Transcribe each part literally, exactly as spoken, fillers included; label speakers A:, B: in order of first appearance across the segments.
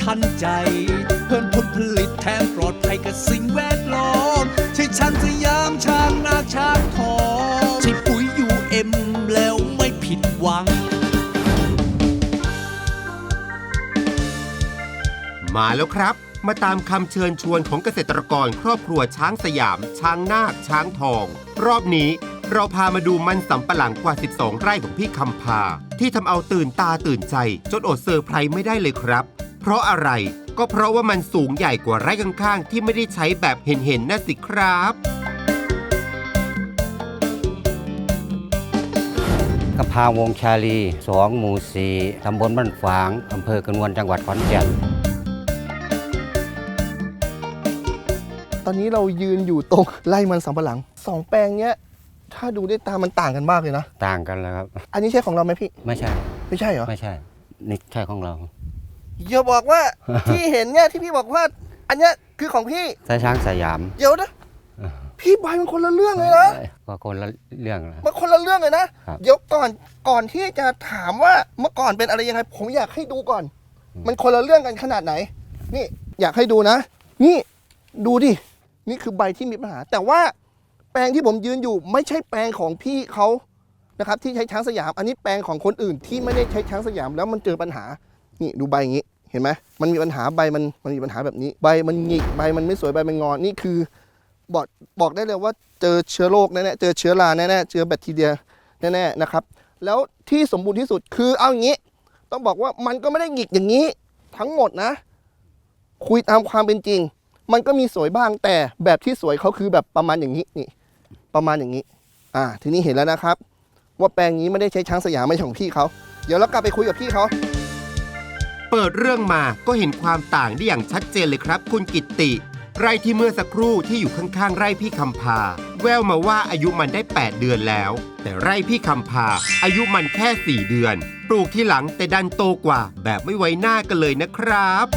A: ทันใจเพิ่มผลผลิตแถมปลอดภัยกับสิ่งแวดล้อมใช่ช้างสยามช้างนาช้างทองใช่ปุ๋ยยูเอ็มแล้วไม่ผิดหวัง
B: มาแล้วครับมาตามคำเชิญชวนของเกษตรกรครอบครัวช้างสยามช้างนาคช้างทองรอบนี้เราพามาดูมันสำปะหลังกว่าสิบสองไร่ของพี่คำพาที่ทำเอาตื่นตาตื่นใจจนอดเซอร์ไพรส์ไม่ได้เลยครับเพราะอะไรก็เพราะว่ามันสูงใหญ่กว่าไร่ข้างๆที่ไม่ได้ใช้แบบเห็นๆน่ะสิครับ
C: กำพาวงชาลีสองหมู่สี่ตำบลบ้านฝางอำเภอกระนวนจังหวัดขอนแก่น
D: ตอนนี้เรายืนอยู่ตรงไร่มันสำปะหลังสองแปลงเนี้ยถ้าดูด้วยตามันต่างกันมากเลยนะ
C: ต่างกันแล้วครับ
D: อันนี้ใช่ของเราไหมพี่
C: ไม่ใช่
D: ไม่ใช่เหรอ
C: ไม่ใช่นี่ใช่ของเรา
D: อย่าบอกว่า ที่เห็นเนี่ยที่พี่บอกว่าอันเนี้ยคือของพี่
C: สายช้างสยาม
D: เดี๋ยวนะพี่ใบมันคนละเรื่องเลยนะ
C: ก็คนละเรื่องนะ
D: มันคนละเรื่องเลยนะเดี๋ยวก่อนก่อนที่จะถามว่าเมื่อก่อนเป็นอะไรยังไงผมอยากให้ดูก่อนมันคนละเรื่องกันขนาดไหนนี่อยากให้ดูนะนี่ดูดินี่คือใบที่มีปัญหาแต่ว่าแปลงที่ผมยืนอยู่ไม่ใช่แปลงของพี่เขานะครับที่ใช้ช้างสยามอันนี้แปลงของคนอื่นที่ไม่ได้ใช้ช้างสยามแล้วมันเจอปัญหานี่ดูใบอย่างนี้เห็นไหมมันมีปัญหาใบมันมันมีปัญหาแบบนี้ใบมันหงิกใบมันไม่สวยใบมันงอนี่คือบอกบอกได้เลยว่าเจอเชื้อโรคแน่ๆเจอเชื้อราแน่ๆเจอแบคทีเรียแน่ๆนะครับแล้วที่สมบูรณ์ที่สุดคือเอาอย่างนี้ต้องบอกว่ามันก็ไม่ได้หงิกอย่างนี้ทั้งหมดนะคุยตามความเป็นจริงมันก็มีสวยบ้างแต่แบบที่สวยเขาคือแบบประมาณอย่างนี้นี่ประมาณอย่างนี้อ่าทีนี้เห็นแล้วนะครับว่าแปลงนี้ไม่ได้ใช้ช้างสยามไม่ใช่ของพี่เขาเดี๋ยวเรากลับไปคุยกับพี่เขา
B: เปิดเรื่องมาก็เห็นความต่างได้อย่างชัดเจนเลยครับคุณกิตติไร่ที่เมื่อสักครู่ที่อยู่ข้างๆไร่พี่คำพาแววมาว่าอายุมันได้แปดเดือนแล้วแต่ไร่พี่คำพาอายุมันแค่สี่เดือนปลูกที่หลังแต่ดันโตกว่าแบบไม่ไว้หน้ากันเลยนะครับ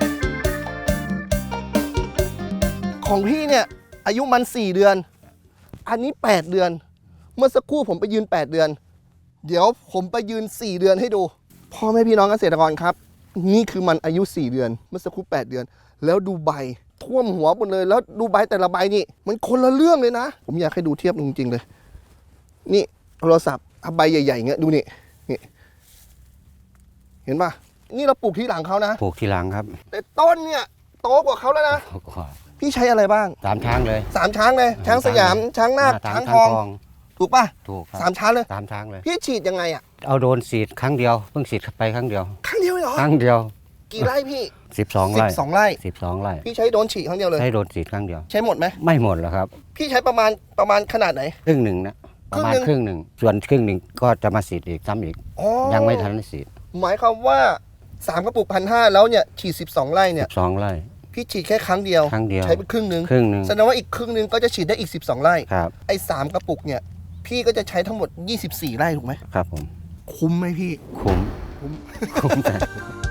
D: ของพี่เนี่ยอายุมันสี่เดือนอันนี้แปดเดือนเมื่อสักครู่ผมไปยืนแปดเดือนเดี๋ยวผมไปยืนสี่เดือนให้ดูพ่อแม่พี่น้องเกษตรกรครับนี่คือมันอายุสี่เดือนเมื่อสักครู่แปดเดือนแล้วดูใบท่วมหัวหมดเลยแล้วดูใบแต่ละใบนี่มันคนละเรื่องเลยนะผมอยากให้ดูเทียบจริงๆเลยนี่โทรศัพท์เอาใบใหญ่ๆอย่างเงี้ยดูนี่นี่เห็นป่ะนี่เราปลูกที่หลังเขานะ
C: ปลูกที่หลังครับ
D: แต่ต้นเนี่ยโตกว่าเขาแล้วนะพี่ใช้อะไรบ้าง
C: สามช้างเลย
D: สามช้างเลยช้างสยามช้างนาคช้างทองถูกป่ะ
C: ถูก
D: สามช้างเลย
C: สามช้างเลย
D: พี่ฉีดยังไงอ่ะ
C: เอาโดนฉีดครั้งเดียวเพิ่งฉีดไปครั้งเดียว
D: ครั้งเดียวเหรอ
C: ครั้งเดียว
D: กี่ไร่พี่
C: สิบสองไร่
D: สิบสองไร่
C: สิบสองไร่
D: พี่ใช้โดนฉีดครั้งเดียวเลย
C: ใช้โดนฉีดครั้งเดียว
D: ใช้หมดไหม
C: ไม่หมดหรอกครับ
D: พี่ใช้ประมาณประมาณขนาดไหน
C: ครึ่งหนึ่งนะประมาณครึ่งหนึ่งส่วนครึ่งหนึ่งก็จะมาฉีดอีกซ้ำอีกยังไม่ทันฉีด
D: หมายความว่าสามกระปุกพันห้าแล้วเนี่ยฉีดสิบสองไร่เนี่ย
C: สิบสองไร่
D: พี่ฉีดแค่ครั้งเดียว
C: ครั้งเดียว
D: ใช้ไปครึ่งนึง
C: ครึ่งนึง
D: แสดงว่าอีกครึ่งนึงก็จะฉีดได้อีกสิบสองไร่
C: ครับ
D: ไอ้สามกระปุกเนี่ยพี่ก็จะใช้ทั้งหมดยี่สิบสี่ไร่ถูกไหม
C: ครับผม
D: คุ้มไหมพี่
C: คุ้ม
D: คุ้ม
C: คุ้มแต่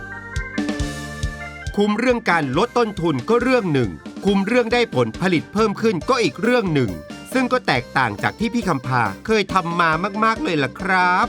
B: คุ้มเรื่องการลดต้นทุนก็เรื่องหนึ่งคุ้มเรื่องได้ผลผลิตเพิ่มขึ้นก็อีกเรื่องหนึ่งซึ่งก็แตกต่างจากที่พี่คำพาเคยทำมามากๆเลยล่ะครับ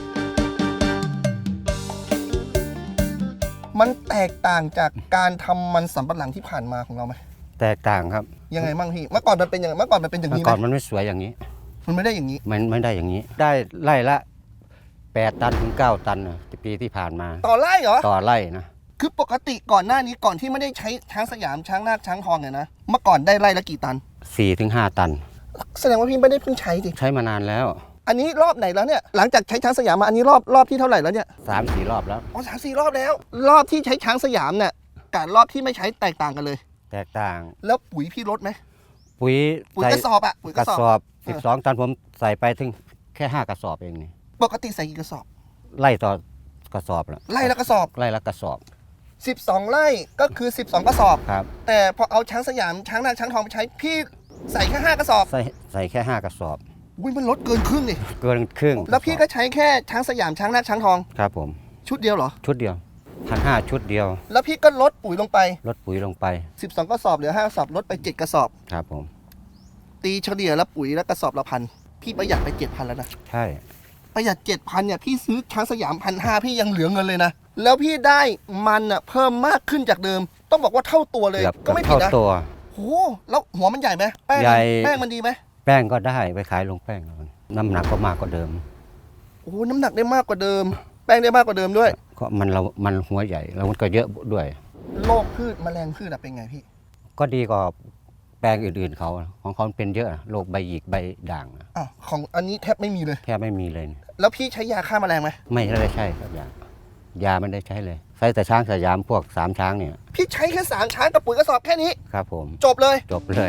D: มันแตกต่างจากการทำมันสำปะหลังที่ผ่านมาของเราไหม
C: แตกต่างครับ
D: ยังไงบ้างพี่เมื่อก่อนมันเป็นยังไงเมื่อก่อนมันเป็นอย่างนี้ไหม
C: เมื่อก่อนมันไม่สวยอย่างนี้
D: มันไม่ได้อย่างนี้
C: มันไม่ได้อย่างนี้ได้ไร่ละแปดตันถึงเก้าตันปีที่ผ่านมา
D: ต่อไร่เหรอ
C: ต่อไร่นะ
D: คือปกติก่อนหน้านี้ก่อนที่ไม่ได้ใช้ช้างสยามช้างนาคช้างทองเนี่ยนะเมื่อก่อนได้ไร่ละกี่ตัน
C: สี่ถึงห้าตัน
D: แสดงว่าพี่ไม่ได้เพิ่งใช้สิ
C: ใช้มานานแล้ว
D: อันนี้รอบไหนแล้วเนี่ยหลังจากใช้ช้างสยามมาอันนี้รอบรอบที่เท่าไหร่แล้วเนี่ย
C: สามสี่รอบแล้ว
D: อ๋อสามสี่รอบแล้วรอบที่ใช้ช้างสยามเนี่ยกับรอบที่ไม่ใช้แตกต่างกันเลย
C: แตกต่าง
D: แล้วปุ๋ยพี่ลดไหม
C: ปุ๋ย
D: ปุ๋ยกระสอบอะปุ๋ย
C: กระสอบสิบสองตันผมใส่ไปถึงแค่ห้ากระสอบเองนี่
D: ปกติใส่กี่กระสอบ
C: ไล่ต่อกระสอบละ
D: ไล่ละกระสอบ
C: ไล่ละกระสอบ
D: สิบสองไร่ก็คือสิบสองกระสอบ
C: ครับ
D: แต่พอเอาช้างสยามช้างนาคช้างทองไปใช้พี่ใส่แค่ห้ากระสอบ
C: ใส่ใส่แค่ห้ากระสอบ
D: อุ้ยมันลดเกินครึ่งนี่
C: เกินครึ่ง
D: แล้วพี่ก็ใช้แค่ช้างสยามช้างนาคช้างทอง
C: ครับผม
D: ชุดเดียวเหรอ
C: ชุดเดียวพันห้าชุดเดียว
D: แล้วพี่ก็ลดปุ๋ยลงไป
C: ลดปุ๋ยลงไป
D: สิบสองกระสอบเหลือห้ากระสอบลดไปเจ็ดกระสอบ
C: ครับผม
D: ตีเฉลี่ยแล้วปุ๋ยแล้วกระสอบละพันพี่ประหยัดไปเจ็ดพันแล้วนะ
C: ใช่
D: ประหยัดเจ็ดพันเนี่ยพี่ซื้อช้างสยามพันห้าพี่ยังเหลือเงินเลยนะ แล้วพี่ได้มันอ่ะเพิ่มมากขึ้นจากเดิม ต้องบอกว่าเท่าตัวเลย
C: เกือบ
D: ก็ไม่ผิด
C: เท่า
D: นะ
C: ตัว
D: โหแล้วหัวมันใหญ่ไหมแป้ง
C: ใหญ่
D: แป้งมันดีไหม
C: แป้งก็ได้ไปขายลงแป้งเอาน้ำหนักก็มากกว่าเดิม
D: โอ้โหน้ำหนักได้มากกว่าเดิม แป้งได้มากกว่าเดิมด้วย
C: ก็มันเรามันหัวใหญ่แล้วมันก็เยอะด้วย
D: โรคพืชแมลงพืชอะเป็นไงพี่
C: ก็ดีกว่าแปลงอื่นๆเขาของเขาเป็นเยอะโรคใบหยิกใบด่าง
D: อ่ะของอันนี้แทบไม่มีเลย
C: แทบไม่มีเลย
D: แล้วพี่ใช้ยาฆ่าแมลงไหม
C: ไม่ได้ใช่ครับยายาไม่ได้ใช้เลยใช้แต่ช้างสยามพวกสามช้างเนี่ย
D: พี่ใช้แค่สามช้างกับปุ๋ยกระสอบแค่นี้
C: ครับผม
D: จบเลย
C: จบเลย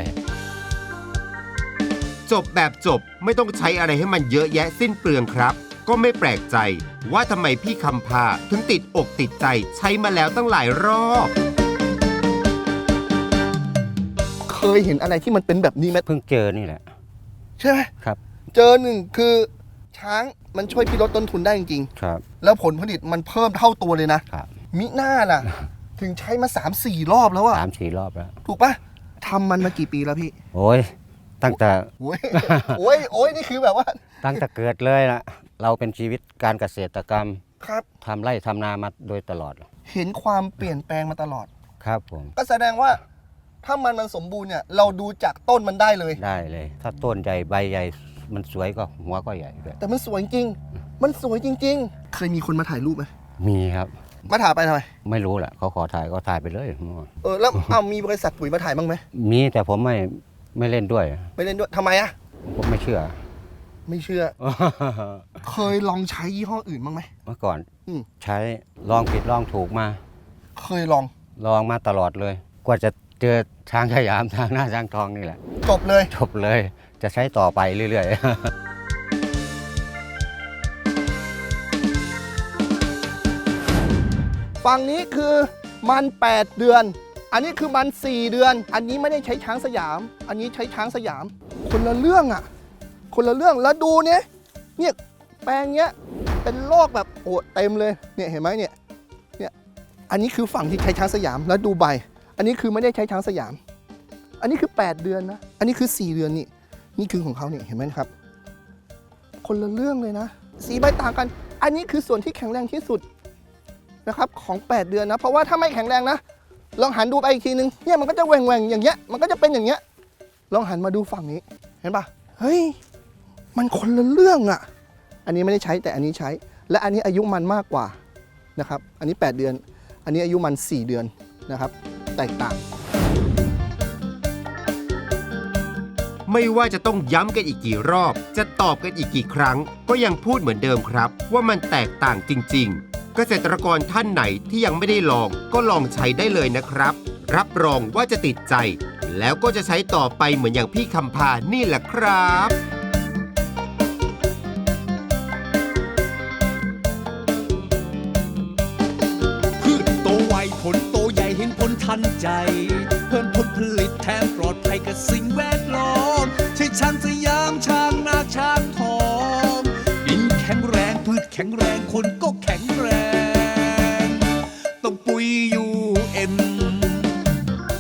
B: จบแบบจบไม่ต้องใช้อะไรให้มันเยอะแยะสิ้นเปลืองครับ ก็ไม่แปลกใจว่าทำไมพี่คำพาถึงติดอกติดใจใช้มาแล้วตั้งหลายรอบ
D: เคยเห็นอะไรที่มันเป็นแบบนี้ไหม
C: เพิ่งเจอนี่แหละ
D: ใช่ไหม
C: ครับ
D: เจอหนึ่งคือช้างมันช่วยพี่ลดต้นทุนได้จริง
C: ครับ
D: ๆแล้วผลผลิตมันเพิ่มเท่าตัวเลยนะครับ มิหน้าล่ะ ถึงใช้มาสามสี่รอบแล้วอะ
C: สามสี่รอบแล้ว
D: ถูกปะทำมันมากี่ปีแล้วพี่
C: โอ้ยตั้งแต่
D: โอ้ย โอ้ยโอ้ยนี่คือแบบว่า
C: ตั้งแต่เกิดเลยนะเราเป็นชีวิตการเกษตรกรรม
D: ครับ
C: ทำไร่ทำนามาโดยตลอด
D: เห็นความเปลี่ยนแปลงมาตลอด
C: ครับผม
D: ก็แสดงว่าถ้ามันมันสมบูรณ์เนี่ยเราดูจากต้นมันได้เลย
C: ได้เลย ถ้าต้นใหญ่ใบใหญ่มันสวยก็หัวก็ใหญ่ด้วย
D: แต่มันสวยจริง มันสวยจริง ๆ เคยมีคนมาถ่ายรูปไหม
C: มีครับ
D: มาถ่ายไปทำไม
C: ไม่รู้แหละเขาขอถ่ายก็ถ่ายไปเลย
D: เออแล้วเอามีบริษัทปุ๋ยมาถ่ายบ้างไหม
C: มีแต่ผมไม่ไม่เล่นด้วย
D: ไม่เล่นด้วยทำไมอะ
C: ผมไม่เชื่อ
D: ไม่เชื่อ เคยลองใช้ยี่ห้ออื่นบ้างไหม
C: เมื่อก่อน
D: อืม
C: ใช้ลองผิดลองถูกมา
D: เคยลอง
C: ลองมาตลอดเลย กว่าจะเจอช้างสยามทางหน้าช้างทองนี่แหละ
D: จบเลย
C: จบเลย จะใช้ต่อไปเรื่อยๆ
D: ฝั่งนี้คือมันแปดเดือน อันนี้คือมันสี่เดือน อันนี้ไม่ได้ใช้ช้างสยาม อันนี้ใช้ช้างสยาม คนละเรื่องอะคนละเรื่องแล้วดูเนี่ยเนี่ยแปลงเนี้ยเป็นโรคแบบโอ้เต็มเลยเนี่ยเห็นไหมเนี่ยเนี่ยอันนี้คือฝั่งที่ใช้ช้างสยามแล้วดูใบ อันนี้คือไม่ได้ใช้ช้างสยาม อันนี้คือแปดเดือนนะอันนี้คือสี่เดือนนี่นี่คือของเขาเนี่ยเห็นไหมครับ คนละเรื่องเลยนะสีใบต่างกัน อันนี้คือส่วนที่แข็งแรงที่สุดนะครับของแปดเดือนนะเพราะว่าถ้าไม่แข็งแรงนะลองหันดูไปอีกทีนึงเนี่ยมันก็จะแหว่งแหว่งอย่างเงี้ยมันก็จะเป็นอย่างเงี้ยลองหันมาดูฝั่งนี้เห็นปะเฮ้ยมันคนละเรื่องอะอันนี้ไม่ได้ใช้แต่อันนี้ใช้ และอันนี้อายุมันมากกว่านะครับอันนี้แปดเดือน อันนี้อายุมันสี่เดือนนะครับแตกต่าง
B: ไม่ว่าจะต้องย้ำกันอีกกี่รอบ จะตอบกันอีกกี่ครั้ง ก็ยังพูดเหมือนเดิมครับ ว่ามันแตกต่างจริงๆ เกษตรกรท่านไหนที่ยังไม่ได้ลอง ก็ลองใช้ได้เลยนะครับ รับรองว่าจะติดใจ แล้วก็จะใช้ต่อไปเหมือนอย่างพี่คำพานี่แหละครับ
A: พืชโตไวผลโตใหญ่เห็นผลทันใจ เพิ่มผลผลิตแถมปลอดภัยกับสิ่งแวดล้อมใช่ช้างสยามช้างนาช้างทองดินแข็งแรงพืชแข็งแรงคนก็แข็งแรงต้องปุ๋ยยู